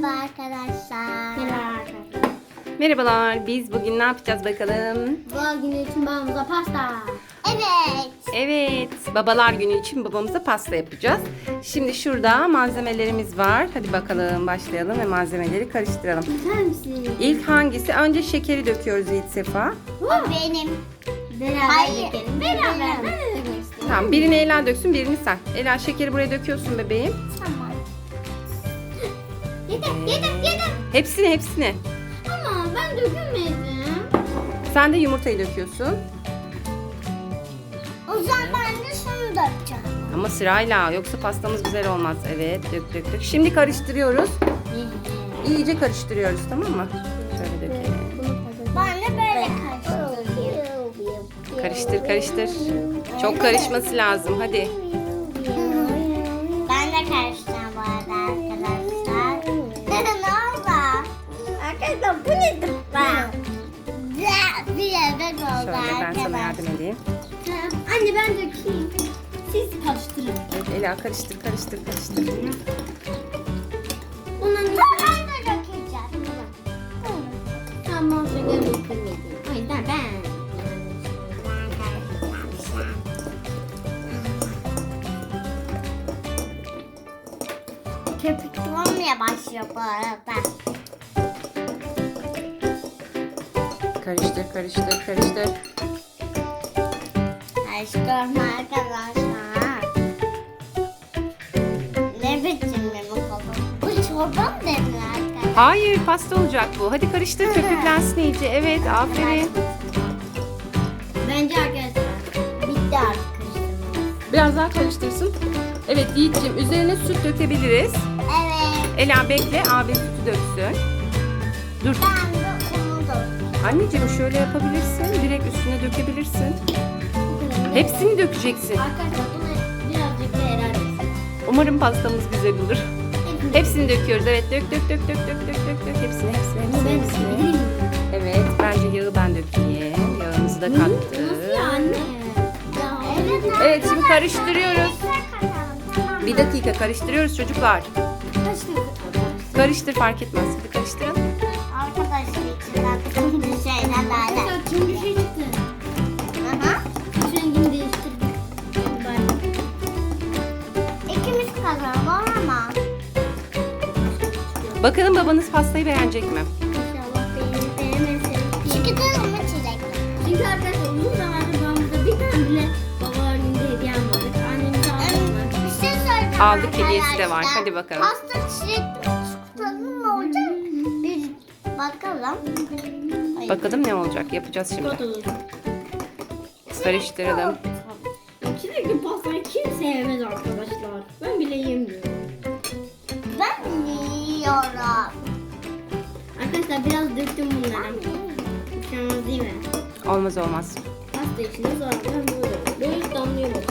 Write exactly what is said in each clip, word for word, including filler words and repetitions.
arkadaşlar. Merhaba arkadaşlar. Merhabalar. Biz bugün ne yapacağız bakalım? Bu günü için babamıza pasta. Evet. Evet, babalar günü için babamıza pasta yapacağız. Şimdi şurada malzemelerimiz var. Hadi bakalım başlayalım ve malzemeleri karıştıralım. Güzel misin? İlk hangisi? Önce şekeri döküyoruz Yiğit Sefa. O benim. Beraber Hayır, dökelim. beraber. Ben de dökmek istiyorum. Tamam, birini Ela döksün, birini sen. Ela şekeri buraya döküyorsun bebeğim. Tamam. Yedim, yedim, yedim. Hepsini hepsini. Ama ben dökemedim. Sen de yumurtayı döküyorsun. O zaman ben de şunu dökeceğim. Ama sırayla, yoksa pastamız güzel olmaz. Evet, dök dök dök. Şimdi karıştırıyoruz. İyice karıştırıyoruz, tamam mı? Şöyle dökelim. Ben de böyle karıştırıyorum. Karıştır karıştır. Çok karışması lazım. Hadi. Ben de karıştıracağım bu arada arkadaşlar. Ne oldu? Arkadaşlar bu nedir ben? Bir yerde oldu Şöyle ben sana yardım arkadaşlar. edeyim. Anne ben dökeyim. Siz karıştırın. Evet, Ela karıştır karıştır karıştır. Bunların Ben üstüne de dökeceğim. tamam şeker dökülmedi. O yüzden ben. Köpük olmaya başlıyor bu arada. Karıştır karıştır karıştır. Karıştırma arkadaşlar. Ne biçim benim kolum? Bu çorba mı dedin arkadaşlar? Hayır, pasta olacak bu. Hadi karıştır, köpüklensin iyice. Evet, aferin. Bence arkadaşlar bitti artık karıştırmamız. Biraz daha karıştırsın. Evet Yiğit'ciğim, üzerine süt dökebiliriz. Evet. Ela bekle, abi sütü döksün. Dur. Ben de onu dökeceğim. Anneciğim şöyle yapabilirsin. Direkt üstüne dökebilirsin. Hepsini dökeceksin. Arkadaşlar bunu birazcık da herhalde. Umarım pastamız güzel olur. Hepsini döküyoruz. Evet, dök dök dök dök dök dök dök dök. Hepsini hepsini Bunu ben hepsini. hepsini. dökebilir miyim? Evet, bence yağı ben dökeyim. Yağımızı da kattık. Nasıl ya anne? Ya. Evet, şimdi karıştırıyoruz. Tamam. Bir dakika karıştırıyoruz çocuklar. Karıştırdık. Karıştır, fark etmez. Hadi karıştırın. Arkadaşlar içinden bir şeyler daha Arkadaşlar tüm bir şey çıktı. Aha. Şu rengini değiştirdik. Ben. İkimiz kazanalım ama. Bakalım babanız pastayı beğenecek mi? İnşallah beğenir beğenmezse. Çünkü canım içecek. Çünkü arkadaşlar uzun zamandır babamıza bir tane bile babalar günde hediye almadık. Annemize almadık. Bir şey söyleyeceğim Aldık, hediyesi de var. arkadaşlar. Hadi bakalım. Pasta çilekli çikolatalı mı olacak? Bir bakalım. Ay, Bakalım ne olacak? Yapacağız şimdi. Çikolata olur. Karıştıralım. Ya çilekli pastayı kim sevmez arkadaşlar? Ben bile yemiyorum. Ben yiyorum. Arkadaşlar biraz döktüm bunları. Bir şey olmaz değil mi? Olmaz olmaz. Pasta içinde zaten böyle. Böyle damlıyor bak.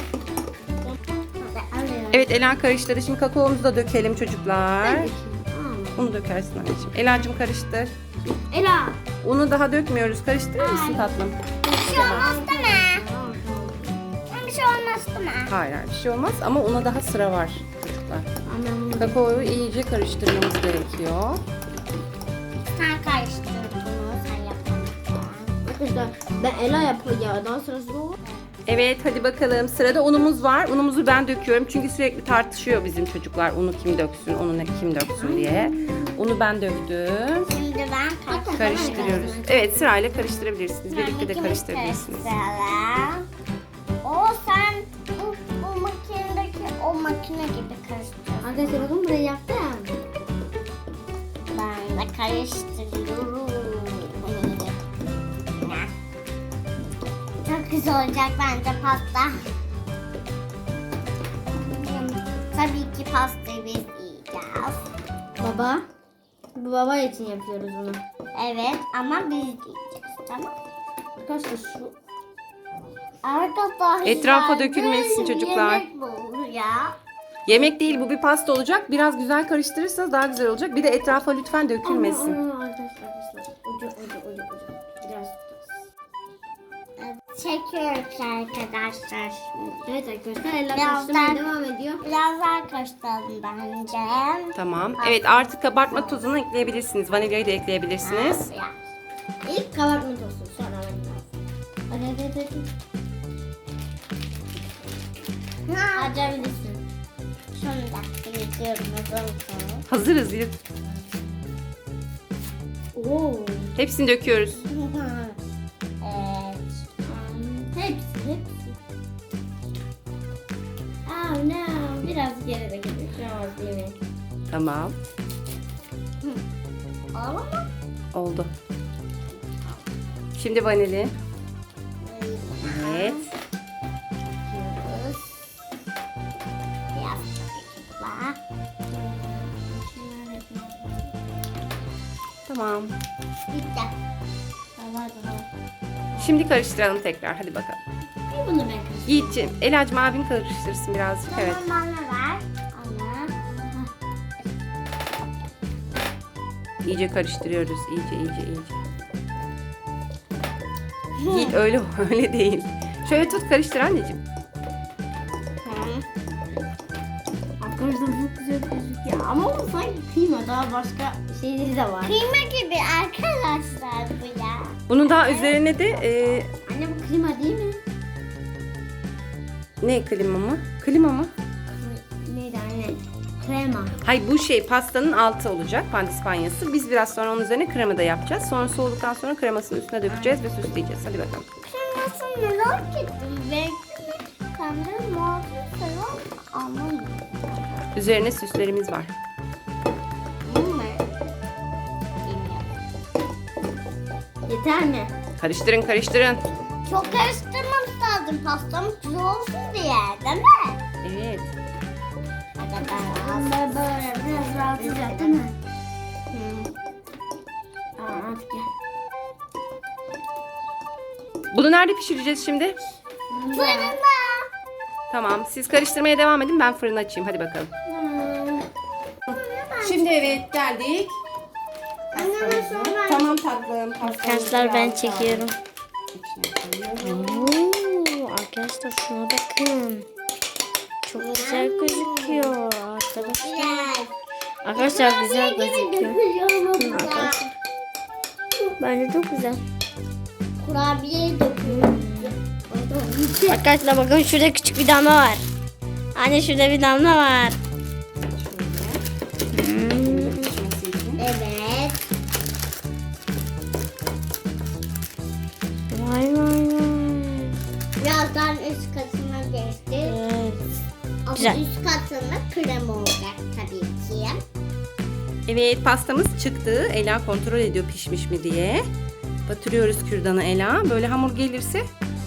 Hadi alıyorum. Evet, Ela karıştırdı. Şimdi kakaomuzu da dökelim çocuklar. Ben dökeyim. Aa. Unu dökersin anneciğim. Ela'cığım karıştır. Ela. Unu daha dökmüyoruz. Karıştırır mısın tatlım? Bir şey olmaz değil mi? Tamam tamam. Bir şey olmaz değil mi? Hayır hayır, bir şey olmaz ama una daha sıra var çocuklar. Annem bunu Kakaoyu iyice karıştırmamız gerekiyor. Sen karıştır bunu. Sen yapamazsın. Arkadaşlar ben Ela yapıyor ya. Daha sırası o. Evet, hadi bakalım. Sırada unumuz var. Unumuzu ben döküyorum. Çünkü sürekli tartışıyor bizim çocuklar. Unu kim döksün, unu ne kim döksün diye. Unu ben döktüm. Şimdi ben karıştırıyorum. Karıştırıyoruz. Evet, sırayla karıştırabilirsiniz. Birlikte de İkimiz karıştırabilirsiniz. karıştıralım. O sen bu, bu makinedeki o makine gibi karıştır. Arkadaşlar bakın burayı yaptım. Ben de karıştırıyorum. Çok güzel olacak bence pasta. Tabii ki pastayı biz yiyeceğiz. Baba. Bu baba için yapıyoruz bunu. Evet ama biz yiyeceğiz, tamam. Arkadaşlar şu. Arkadaşlar. Etrafa dökülmesin böyle çocuklar. Yemek bu ya. Yemek değil, bu bir pasta olacak. Biraz güzel karıştırırsanız daha güzel olacak. Bir de etrafa lütfen dökülmesin. Aa, aa, arkadaşlar arkadaşlar. Ucu ucu ucu ucu. Biraz biraz. Evet, çekiyoruz arkadaşlar. Evet arkadaşlar eller Biraz karıştırmaya daha- devam ediyor. Biraz daha karıştıralım bence. Tamam. Evet, artık kabartma tozunu ekleyebilirsiniz. Vanilyayı da ekleyebilirsiniz. Ya. İlk kabartma tozu sonra vanilya. Hadi hadi hadi. Ha, Açabilirsin. şunu da geçiyorum. Hazırız. Elif. Oo. Hepsini döküyoruz. Evet. Hepsi hepsi. Oh no. Biraz geride gidiyor. Şu an değil mi? Tamam. Oldu mu? Oldu. Şimdi vanili. Evet. Yapıyoruz. Biraz daha. Tamam. Bitti. Tamam tamam. Şimdi karıştıralım tekrar. Hadi bakalım. Bir bunu ben karıştırayım. Yiğit'ciğim, Elacığım abin karıştırsın birazcık. Evet. Tamam bana ver. Ana. İyice karıştırıyoruz. İyice, iyice, iyice. Yiğit öyle öyle değil. Şöyle tut, karıştır anneciğim. Arkadaşlar çok güzel gözüküyor. Ama o sanki kıyma daha başka şeyleri de var. Kıyma gibi arkadaşlar bu ya. Bunun daha üzerine de e, Anne bu kıyma değil mi? ne klima mı? Klima mı? Neydi anne? Krema. Hayır, bu şey pastanın altı olacak, pandispanyası. Biz biraz sonra onun üzerine krema da yapacağız. Sonra soğuduktan sonra kremasını üstüne dökeceğiz ve süsleyeceğiz. Hadi bakalım. Kıymasını merak ettim. Belki de kendi muhabbet falan anlamıyorum. Üzerine süslerimiz var. Yeter mi? Karıştırın, karıştırın. Çok karıştırmamız lazım pastamız güzel olsun diye, değil mi? Evet. Ben böyle biraz rahatlayacak değil mi? Tamam hadi gel. Bunu nerede pişireceğiz şimdi? Fırında. Tamam, siz karıştırmaya devam edin. Ben fırını açayım. Hadi bakalım. Şimdi evet, geldik. Anneme sonra. Tamam tatlım. Arkadaşlar ben çekiyorum. Oo, arkadaşlar şuna bakın. Çok güzel gözüküyor arkadaşlar. Güzel. Arkadaşlar güzel gözüküyor. Dökülüyor Arkadaşlar. Bence çok güzel. Kurabiye dökülüyor. Arkadaşlar bakın şurada küçük bir damla var. Anne şurada bir damla var. Evet. Vay vay vay. Birazdan üst katına geçti. Evet. Ama Güzel. üst katında krema olacak tabii ki. Evet, pastamız çıktı. Ela kontrol ediyor pişmiş mi diye. Batırıyoruz kürdanı Ela. Böyle hamur gelirse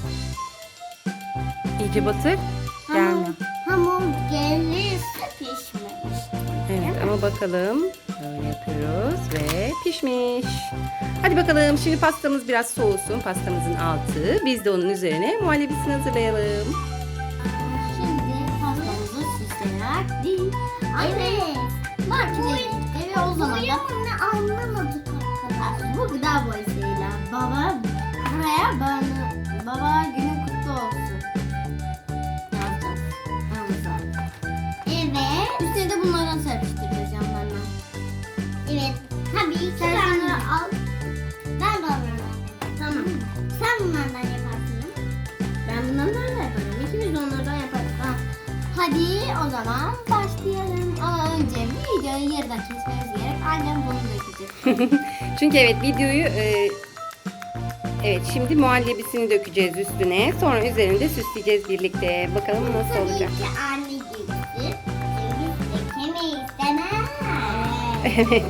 iyice batır. Gelme. Hamur gelirse pişmemiş. Evet ama bakalım. Böyle yapıyoruz ve pişmiş. Hadi bakalım, şimdi pastamız biraz soğusun. Pastamızın altı. Biz de onun üzerine muhallebisini hazırlayalım. Şimdi pastamızı süsleyerek değil. Evet. Markete gitti ve o zaman da ne anlamadık arkadaşlar. bu gıda boyasıyla baba buraya bana baba günü kutlu olsun yazacağız. Anladım. Evet. Üstüne de bunlardan serpiştireceğiz yanlarına. Evet. Tabii ki Sen ben bunları al. Ben de alırım. Tamam. Sen bunlardan yaparsın. Ben bunlardan da yaparım. İkimiz de onlardan yaparız. Ha. Hadi o zaman başlayalım. Ama önce videoyu yarıda kesmemiz gerek. Annem bunu dökecek. Çünkü evet, videoyu e, evet, şimdi muhallebisini dökeceğiz üstüne. Sonra üzerinde süsleyeceğiz birlikte. Bakalım nasıl olacak. Tabii ki anne gibisi. Biz dökemeyiz demez. Evet.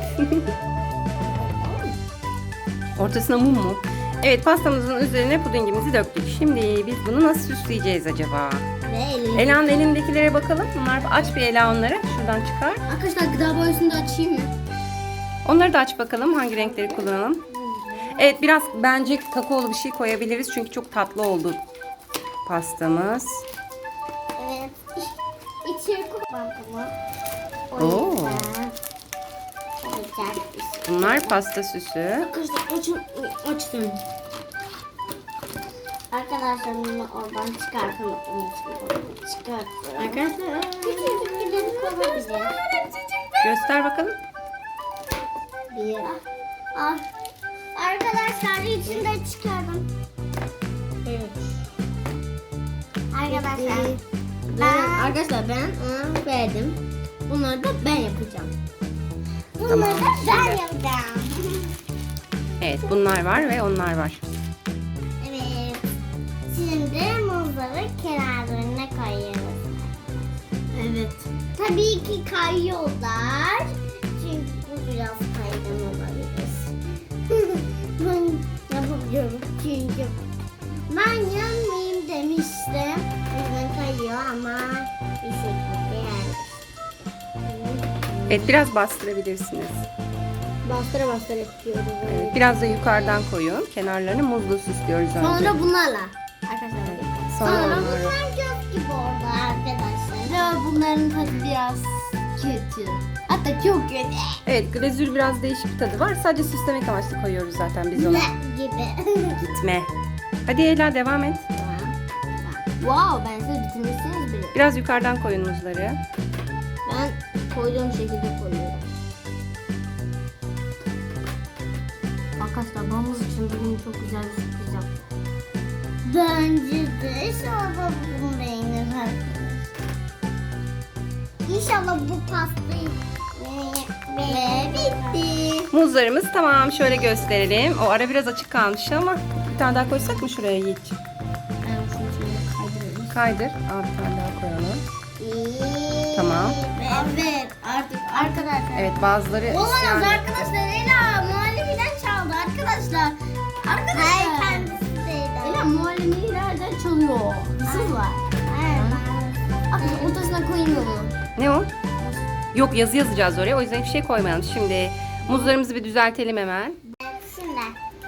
Ortasına mum mu? Evet, pastamızın üzerine pudingimizi döktük. Şimdi biz bunu nasıl süsleyeceğiz acaba? Ve elini. Ela'nın elindekilere bakalım. Bunlar, aç bir Ela onları. Şuradan çıkar. Arkadaşlar gıda boyasını da açayım mı? Onları da aç bakalım. Hangi renkleri kullanalım? Evet, biraz bence kakaolu bir şey koyabiliriz. Çünkü çok tatlı oldu pastamız. Evet. İçeri koymam bunu. Oo. O yüzden olacak bir şey. Bunlar pasta süsü. Arkadaşlar açın. Açtım. Arkadaşlar bunu oradan çıkartalım. Çıkartalım. Arkadaşlar. Küçücük bir olabilir. Göster bakalım. Bir. Ah. Arkadaşlar içinde çıkardım. Evet. Arkadaşlar. Ben, Ben, arkadaşlar ben ona verdim. Bunları da ben yapacağım. bunları da Tamam, ben şimdi. yapacağım. Evet, bunlar var ve onlar var. Evet. Şimdi muzları kenarlarına koyuyoruz. Evet. Tabii ki kayıyorlar. Çünkü bu biraz kaygan olabilir. Ben yapabiliyorum çünkü. Ben yanmayayım demiştim. O yüzden kayıyor ama bir şekilde yani. Evet, biraz bastırabilirsiniz. Bastıra bastıra yapıyoruz. Evet, biraz da yukarıdan koyun. Kenarlarını muzlu süslüyoruz önce. Sonra bunlarla. Arkadaşlar. Sonra Sonra onları. bunlar göz gibi oldu arkadaşlar. Ve bunların tadı biraz kötü. Hatta çok kötü. Evet, glazür biraz değişik bir tadı var. Sadece süslemek amaçlı koyuyoruz zaten biz onu. Ne gibi. Gitme. Hadi Ela devam et. Wow, ben siz bitirmişsiniz bile. Biraz yukarıdan koyun muzları. Ben koyduğum şekilde koyuyorum. Arkadaşlar babamız için bugün çok güzel bir sürpriz yaptı. Bence de inşallah bunu beğenir arkadaşlar. İnşallah bu pastayı ve bitti. Muzlarımız tamam. Şöyle gösterelim. O ara biraz açık kalmış ama bir tane daha koysak mı şuraya Yiğit'ciğim? Ben şunu şöyle kaydırıyorum. Kaydır. Al bir tane daha koyalım. Tamam. Evet artık arkadaşlar. Evet, bazıları Olamaz isyan etti. arkadaşlar. Ela muhallebiden çaldı arkadaşlar. Arkadaşlar. Hayır kendisi değil. Ela muhallebilerden çalıyor. Hırsız var. Hayır. Arkadaşlar ortasına koyayım onu. Ne o? Yok, yazı yazacağız oraya. O yüzden hiçbir şey koymayalım. Şimdi muzlarımızı bir düzeltelim hemen. Şimdi.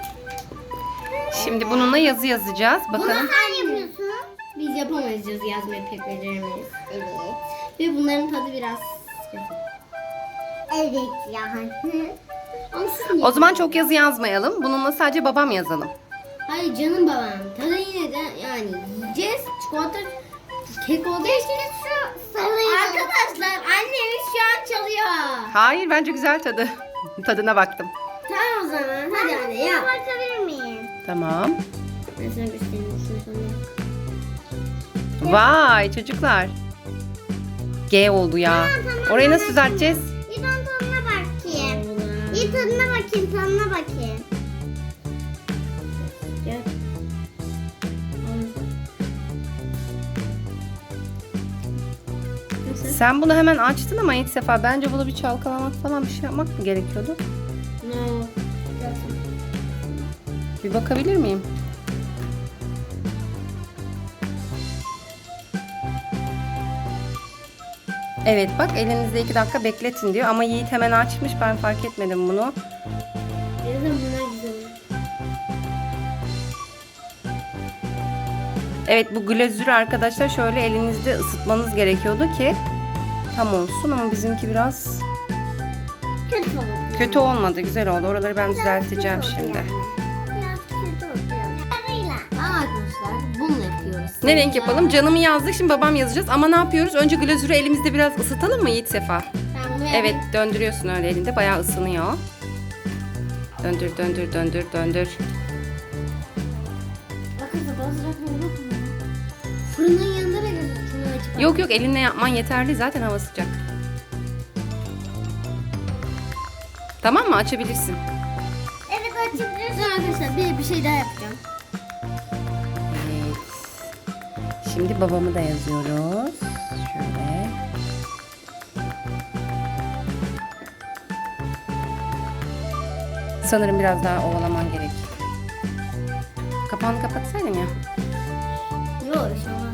Şimdi bununla yazı yazacağız. Bakalım. Sen yapıyorsun. Biz yapamayız yazı yazmayı pek beceremeyiz. Evet. Ve bunların tadı biraz kötü. Evet yani. Ama siz niye? O zaman çok yazı yazmayalım. Bununla sadece babam yazalım. Hayır canım babam. Tadı yine de yani yiyeceğiz. Çikolata kek olduğu için. Arkadaşlar annemiz şu an çalıyor. Hayır, bence güzel tadı. Tadına baktım. Tamam o zaman hadi anne yap. Bakabilir miyim? Tamam. Ben sana göstereyim. Şunu sonra. Vay çocuklar. G oldu ya. Orayı nasıl düzelteceğiz? Bir ben tadına bakayım. Bir tadına bakayım, tadına bakayım. Gel. Nasıl? Sen bunu hemen açtın ama ilk sefer bence bunu bir çalkalamak falan bir şey yapmak mı gerekiyordu? No. Bir bakabilir miyim? Evet bak, elinizde iki dakika bekletin diyor ama Yiğit hemen açmış, ben fark etmedim bunu. Biraz da bunlar güzel olur. Evet, bu glazürü arkadaşlar şöyle elinizde ısıtmanız gerekiyordu ki tam olsun ama bizimki biraz Kötü oldu. kötü olmadı, güzel oldu. Oraları ben düzelteceğim Kötü oldu şimdi. yani. Biraz kötü oldu yani. Sarıyla. Ama arkadaşlar bununla yapıyoruz. Ne renk yapalım? Canımı yazdık, şimdi babam yazacağız ama ne yapıyoruz? Önce glazürü elimizde biraz ısıtalım mı Yiğit Sefa? Ben bunu Evet, döndürüyorsun öyle elinde, bayağı ısınıyor. Döndür döndür döndür döndür. Bakın sabah sıcak mı yok mu? Fırının yanında da gözüküyor. açık. Yok yok, elinle yapman yeterli, zaten hava sıcak. Tamam mı? Açabilirsin. Evet açabilirsin. Güzel arkadaşlar bir, bir şey daha yapacağım. Evet. Şimdi babamı da yazıyoruz. Şöyle. Sanırım biraz daha ovalaman gerek. Kapağını kapatsaydın ya. Yok şu an.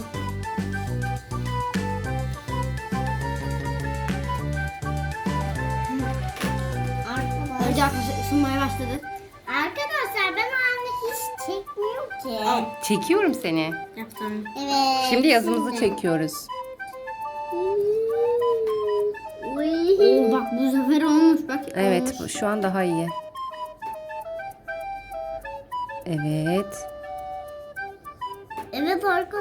Arkadaşlar, Önce arkadaşlar ısınmaya başladı. arkadaşlar ben anne hiç çekmiyor ki. Çekiyorum seni. Yaptım. Evet. Şimdi yazımızı çekiyoruz. Oo bak bu sefer olmuş bak. Evet, olmuş. bu şu an daha iyi. Evet.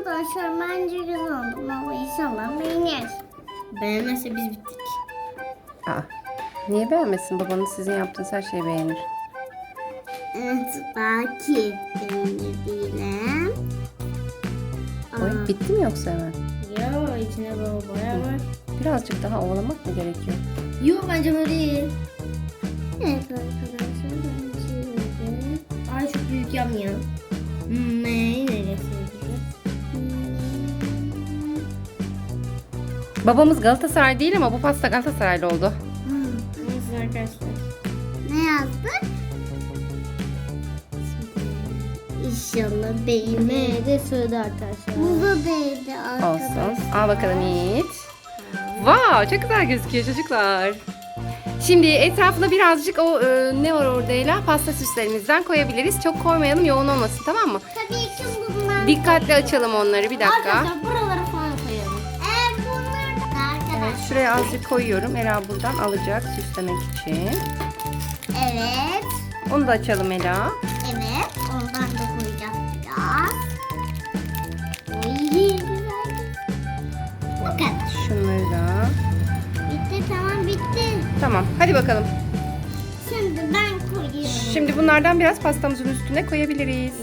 Arkadaşlar bence güzel oldu ama inşallah beğenir. Beğenmezse biz bittik. Aa, niye beğenmesin? Babanız sizin yaptığınız her şeyi beğenir. Evet belki beğenir değilim. Oy, bitti mi yoksa hemen? Yo içine bol boya var. Birazcık daha ovalamak mı gerekiyor? Yo bence böyle iyi. Evet arkadaşlar bence öyle. Ay çok büyük yapmıyor. Hmm, neyi nereye sığdıracağız? Babamız Galatasaray değil ama bu pasta Galatasaraylı oldu. Neyse arkadaşlar. Ne yazdık? İnşallah beğenir. Yemeğe de sığdı arkadaşlar. Bu da değdi arkadaşlar. Olsun. Al bakalım Yiğit. Wow, çok güzel gözüküyor çocuklar. Şimdi etrafına birazcık o e, ne var orada Ela? Pasta süslerimizden koyabiliriz. Çok koymayalım, yoğun olmasın, tamam mı? Tabii ki bunlar. Dikkatli açalım onları, bir dakika. Arkadaşlar buralara falan koyalım. Evet bunlar da arkadaşlar. Evet, şuraya azıcık koyuyorum. Ela buradan alacak süslemek için. Evet. Onu da açalım Ela. Evet. Ondan da koyacağız biraz. Oy güzel. Bu kadar. Şunları da. Bitti tamam bitti. Tamam, hadi bakalım. Şimdi ben koyuyorum. Şimdi bunlardan biraz pastamızın üstüne koyabiliriz.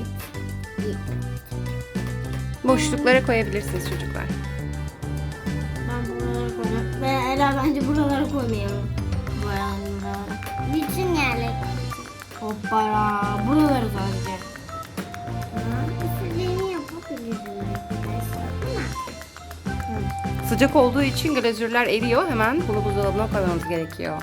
Boşluklara koyabilirsiniz çocuklar. Ben buralara koyacağım. Ve Ela bence buralara koymayalım. Buralara. Bütün yerler. Hoppara. Buraları sadece. İstediğimi yapabilirim arkadaşlar. Ama Sıcak olduğu için glazürler eriyor. Hemen bunu buzdolabına koymamız gerekiyor.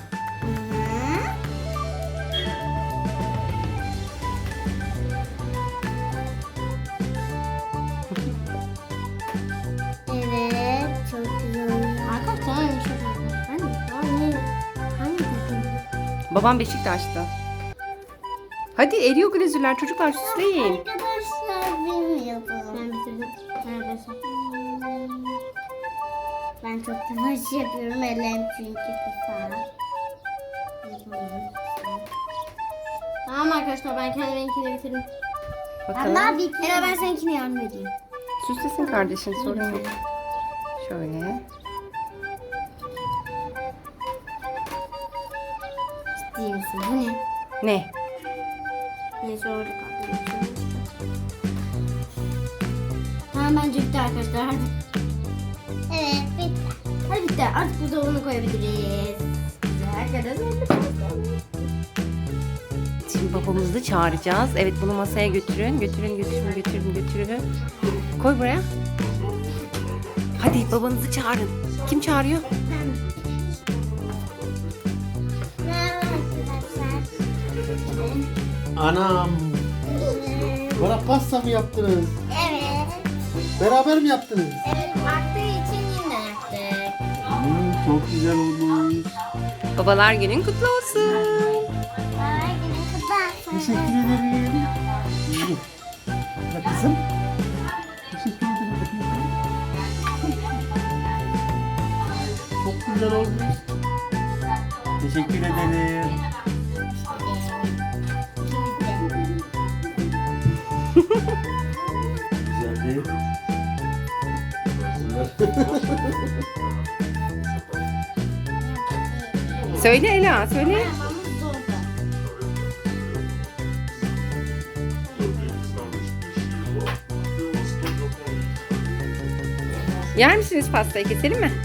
Evet, çok güzel oluyor. Arkadaşlar aynı şey oldu. Hani? Hani? Hani dedim? Babam Beşiktaş'ta. Hadi eriyor glazürler çocuklar, süsleyin. Arkadaşlar bilmiyordum. Ben bitirdim. Neredeyse. Ben çok yavaş yapıyorum ellerim çünkü kısa. Tamam arkadaşlar ben kendiminkini bitirdim. Bakalım. Ama bitti. Ela ben seninkini yardım edeyim. Süslesin kardeşin, sorun yok. Şöyle. Ciddi misin? Bu ne? Ne? Neyse orada kaldı. Tamam bence bitti arkadaşlar. Hadi. Evet bitti. Hadi bitti. Artık buzdolabına koyabiliriz. Güzel arkadaşlar. Şimdi babamızı da çağıracağız. Evet, bunu masaya götürün. Götürün, götürün, götürün, götürün. Koy buraya. Hadi babanızı çağırın. Kim çağırıyor? Merhaba arkadaşlar. Anam, bana pasta mı yaptınız? Evet. Beraber mi yaptınız? Evet arttığı için yine yaptık. Hmm, çok güzel olmuş. Babalar günün kutlu olsun. Baba günün kutlu olsun. Teşekkür ederim. Ya kızım. Teşekkür ederim. Çok güzel olmuş. Teşekkür ederim. Güzeldi. Söyle Ela, söyle. Yer misiniz pastayı, keselim mi?